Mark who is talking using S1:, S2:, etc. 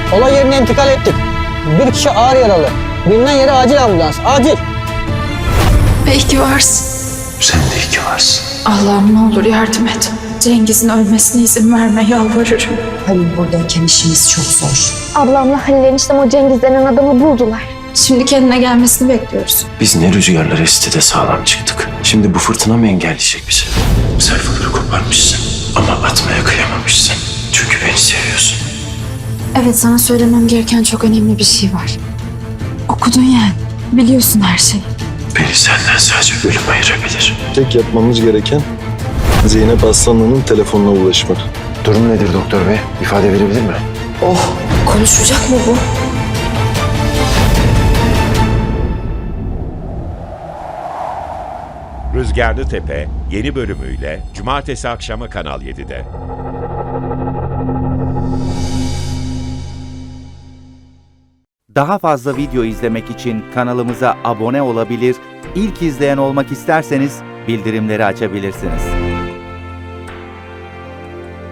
S1: Olay yerine intikal ettik. Bir kişi ağır yaralı. Bilinen yere acil ambulans. Acil.
S2: Belki varsın.
S3: Sen de iyi ki varsın.
S2: Allah'ım ne olur yardım et. Cengiz'in ölmesine izin verme, yalvarırım.
S4: Halil buradayken işimiz çok zor.
S5: Ablamla Halil eniştem o Cengiz denen adamı buldular.
S2: Şimdi kendine gelmesini bekliyoruz.
S3: Biz ne rüzgarlar esti de sağlam çıktık. Şimdi bu fırtına mı engelleyecek bizi? Sayfaları koparmışsın ama atmaya kıyamamışsın. Çünkü beni seviyorsun.
S2: Evet, sana söylemem gereken çok önemli bir şey var. Okudun yani. Biliyorsun her şeyi.
S3: Beni senden sadece ölüm ayırabilir.
S6: Tek yapmamız gereken Zeynep Aslanlı'nın telefonuna ulaşmak.
S3: Durum nedir doktor bey? İfade verebilir mi?
S4: Konuşacak mı bu?
S7: Rüzgarlı Tepe yeni bölümüyle Cumartesi akşamı Kanal 7'de.
S8: Daha fazla video izlemek için kanalımıza abone olabilir, ilk izleyen olmak isterseniz bildirimleri açabilirsiniz.